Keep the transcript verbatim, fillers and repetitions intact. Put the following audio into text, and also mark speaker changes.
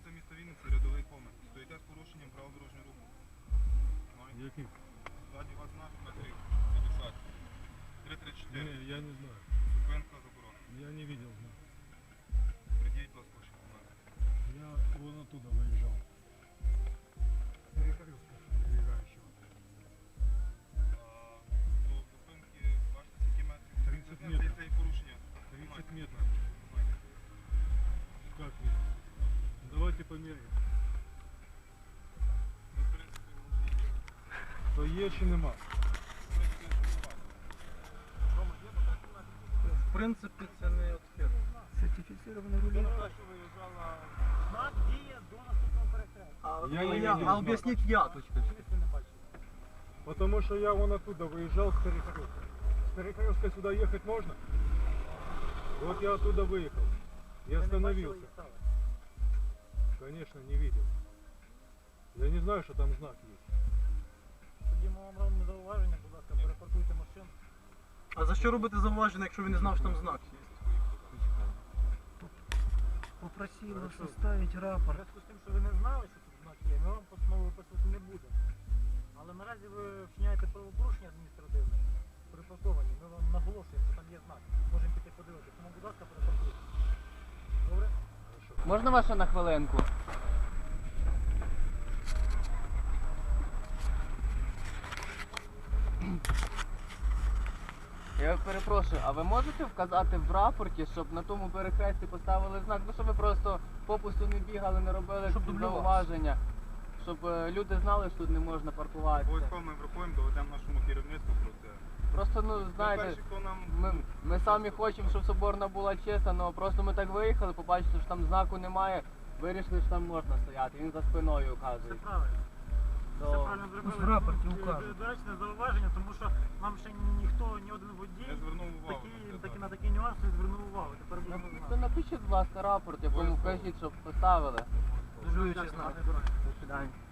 Speaker 1: Вулиця міста Вінниці, рядовий комент. Стоїте з порушенням правил дорожнього руху.
Speaker 2: Який?
Speaker 1: Ззаді вас знак метрів п'ятдесят. три тридцять чотири.
Speaker 2: Не, я не знаю.
Speaker 1: Зупинка заборонена.
Speaker 2: Я не видел знак.
Speaker 1: Придіть, будь ласка, ваші документи.
Speaker 2: Я вон оттуда выезжал. Перекрестка перебегающего.
Speaker 1: До зупинки, бачите, скільки метрів?
Speaker 2: тридцать метрів.
Speaker 1: Це і порушення.
Speaker 2: тридцать метров. Как нет? Давайте померяем.
Speaker 1: Ну, в принципі, може і є.
Speaker 2: То є чи нема?
Speaker 1: В принципі, Рома, є документи?
Speaker 3: В принципі, це не отхід.
Speaker 4: Сертифицированный руль.
Speaker 1: що виїжджала...
Speaker 5: Знак діє до наступного перехрестя.
Speaker 3: А,
Speaker 2: Я
Speaker 3: а,
Speaker 2: не
Speaker 3: я,
Speaker 2: видел
Speaker 3: а
Speaker 2: знака.
Speaker 3: об'ясніть я точно.
Speaker 5: Ви не бачите.
Speaker 2: Потому что я вон оттуда выезжал с перекрестка. С перекрестка сюда ехать можно? Вот я оттуда выехал. Я
Speaker 5: Ви не бачили
Speaker 2: остановился.
Speaker 5: і стали.
Speaker 2: Конечно, не видел. Я не знаю, что там знак есть.
Speaker 5: Тоді ми вам робимо зауваження, будь ласка, перепаркуйте машину.
Speaker 3: А за що робити зауваження, якщо він не знав, що там знак є?
Speaker 4: Попросил вас
Speaker 2: Хорошо.
Speaker 4: составить
Speaker 5: В
Speaker 4: рапорт.
Speaker 5: зв'язку з тим, що ви не знали, що тут знак є, ми вам постанову виписувати не будемо. Але наразі ви вчиняєте правопорушення адміністративне, припарковані. Ми вам наголошуємо, що там є знак. Можемо піти подивитися. Тому, будь ласка, перепаркуйте. Добре?
Speaker 6: Можна ваша на хвилинку? Я перепрошую, а ви можете вказати в рапорті, щоб на тому перехресті поставили знак, ну щоб ви просто попусту не бігали, не робили
Speaker 3: Щоб
Speaker 6: ці
Speaker 3: дублювався.
Speaker 6: зауваження, щоб е, люди знали, що тут не можна паркуватися.
Speaker 1: Обов'язково ми врахуємо, доведемо нашому керівництву про це.
Speaker 6: Просто, ну, знаєте,
Speaker 1: Перші, хто нам...
Speaker 6: ми, ми самі хочемо, щоб Соборна була чиста, але просто ми так виїхали, побачили, що там знаку немає, вирішили, що там можна стояти, він за спиною
Speaker 5: Все
Speaker 6: указує.
Speaker 5: правильно. Все
Speaker 6: То...
Speaker 5: правильно зробили.
Speaker 4: в рапорті
Speaker 5: Дуже
Speaker 4: указано.
Speaker 5: доречне зауваження, тому що нам ще ніхто, ні один водій
Speaker 1: Я звернув увагу
Speaker 5: такі,
Speaker 1: на це,
Speaker 5: такі,
Speaker 1: так.
Speaker 5: на такі нюанси не звернув увагу. Тепер
Speaker 6: Ну,
Speaker 5: будемо
Speaker 6: то
Speaker 5: знати.
Speaker 6: напишіть, будь ласка, рапорт, якому
Speaker 1: Обов'язково.
Speaker 6: вкажіть, щоб поставили.
Speaker 3: Дублюючий знак.
Speaker 6: До свидання.